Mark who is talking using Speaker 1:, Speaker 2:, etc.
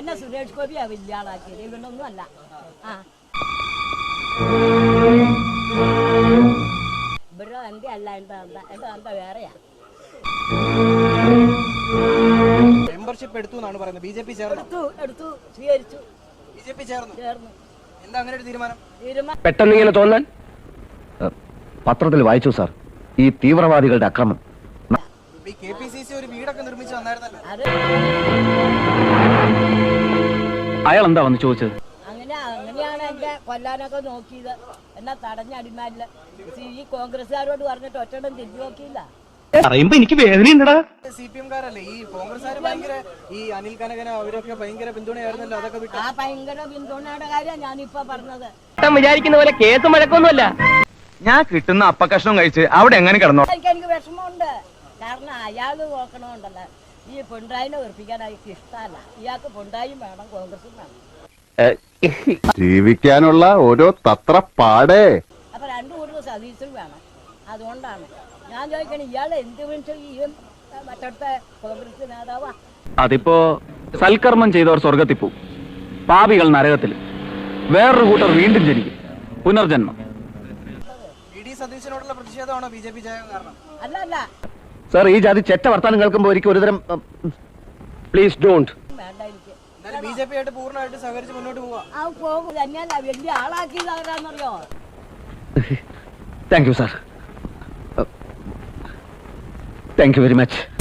Speaker 1: എന്നെ സുരേഷ് ഗോപിയാ വലിയ ആളാക്കിയത്, ഇവനൊന്നും അല്ല. ആ ഇവിടെ എൻ്റെ അല്ല, എൻ്റെ തന്ത വേറെയാ.
Speaker 2: മെമ്പർഷിപ്പ് എടുത്തു എന്നാണ് പറയുന്നത്. ബിജെപി ചേർന്നു,
Speaker 1: എടുത്തു സ്വീകരിച്ചു.
Speaker 2: ബിജെപി ചേർന്നു. എന്താ അങ്ങനെ ഒരു തീരുമാനം?
Speaker 3: പെട്ടെന്ന് ഇങ്ങനെ തോന്നാൻ പത്രത്തിൽ വായിച്ചു സാർ, ഈ തീവ്രവാദികളുടെ അക്രമം.
Speaker 2: KPCC ഒരു വീടൊക്കെ നിർമ്മിച്ചു തന്നായിരുന്നല്ലോ.
Speaker 3: അയാൾ എന്താ വന്ന് ചോദിച്ചത്?
Speaker 1: അങ്ങനെയാണ് എന്റെ കൊല്ലാനൊക്കെ നോക്കിയത്. എന്നാ തടഞ്ഞടിമാരില്ല. ഈ കോൺഗ്രസ്സുകാരോട് പറഞ്ഞിട്ട് ഒറ്റടം തിരിഞ്ഞു നോക്കിയില്ല.
Speaker 3: പറയുമ്പോ എനിക്ക് വേദനയുണ്ടടാ.
Speaker 2: CPM-കാരല്ലേ ഈ കോൺഗ്രസ്സുകാര് ഭയങ്കര, ഈ അനിൽ കനകന അവരൊക്കെ ഭയങ്കര പിന്തുണയായിരുന്നല്ലോ. അതൊക്കെ വിട്ടു.
Speaker 1: ആ ഭയങ്കര പിന്തുണയുടെ കാര്യം ഞാനിപ്പോ പറഞ്ഞത്.
Speaker 3: വിചാരിക്കുന്ന പോലെ കേസ് മഴക്കൊന്നുമല്ല. ഞാൻ കിട്ടുന്ന അപ്പക്കഷ്ണം കഴിച്ച് അവിടെ എങ്ങനെ കിടന്നോ.
Speaker 1: എനിക്ക് വിഷമമുണ്ട്. കാരണം അയാള് നോക്കണമുണ്ടല്ലോ, ഈ പിണറായിനെ വെറുപ്പിക്കാൻ അയാൾക്ക് ഇഷ്ടമല്ല. ഇയാൾക്ക് പിണറായിയും വേണം, കോൺഗ്രസും വേണം.
Speaker 4: ജീവിക്കാനുള്ള ഓരോ തത്രപ്പാടേ.
Speaker 1: അപ്പൊ രണ്ടു കൂടുതൽ സതീശും വേണം. അതുകൊണ്ടാണ് ഞാൻ ചോദിക്കണേ, ഇയാൾ എന്ത് മനുഷ്യൻ ഈ മറ്റടുത്ത കോൺഗ്രസ് നേതാവാ?
Speaker 3: അതിപ്പോ സൽക്കർമ്മം ചെയ്തവർ സ്വർഗത്തിൽ പോവും, പാപികൾ നരകത്തിൽ, വേറൊരു കൂട്ടർ വീണ്ടും ജനിക്കും, പുനർജന്മം.
Speaker 2: സതീശനോടുള്ള പ്രതിഷേധമാണോ ബിജെപി ജയം കാരണം?
Speaker 1: അല്ല
Speaker 3: സാർ, ഈ ജാതി ചെറ്റ വർത്താനം കേൾക്കുമ്പോൾ ഒരിക്കലും ഒരുതരം പ്ലീസ് ഡോണ്ട്.
Speaker 1: വേണ്ട എനിക്ക്.
Speaker 2: ബിജെപി ആയിട്ട് പൂർണ്ണമായിട്ട് സഹകരിച്ച് മുന്നോട്ട് പോവാം.
Speaker 1: ആ പോകും തന്നെയല്ല, വലിയ ആളാക്കിയതാരാന്നറിയോ?
Speaker 3: Thank you sir, thank you very much.